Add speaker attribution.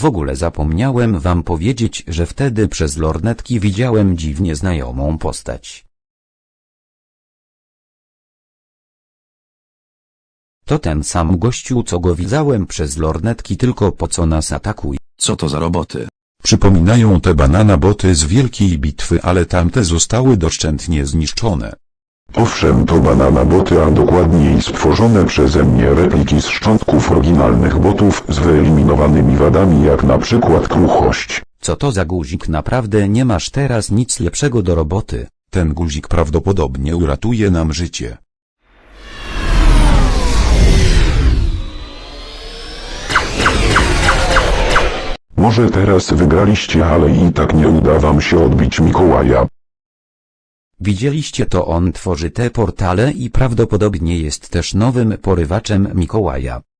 Speaker 1: W ogóle zapomniałem wam powiedzieć, że wtedy przez lornetki widziałem dziwnie znajomą postać. To ten sam gościu, co go widziałem przez lornetki, tylko po co nas atakuje?
Speaker 2: Co to za roboty?
Speaker 3: Przypominają te banana boty z wielkiej bitwy, ale tamte zostały doszczętnie zniszczone.
Speaker 4: Owszem, to banana boty, a dokładniej stworzone przeze mnie repliki z szczątków oryginalnych botów z wyeliminowanymi wadami, jak na przykład kruchość.
Speaker 1: Co to za guzik? Naprawdę nie masz teraz nic lepszego do roboty.
Speaker 3: Ten guzik prawdopodobnie uratuje nam życie.
Speaker 4: Może teraz wygraliście, ale i tak nie uda wam się odbić Mikołaja.
Speaker 1: Widzieliście to, on tworzy te portale i prawdopodobnie jest też nowym porywaczem Mikołaja.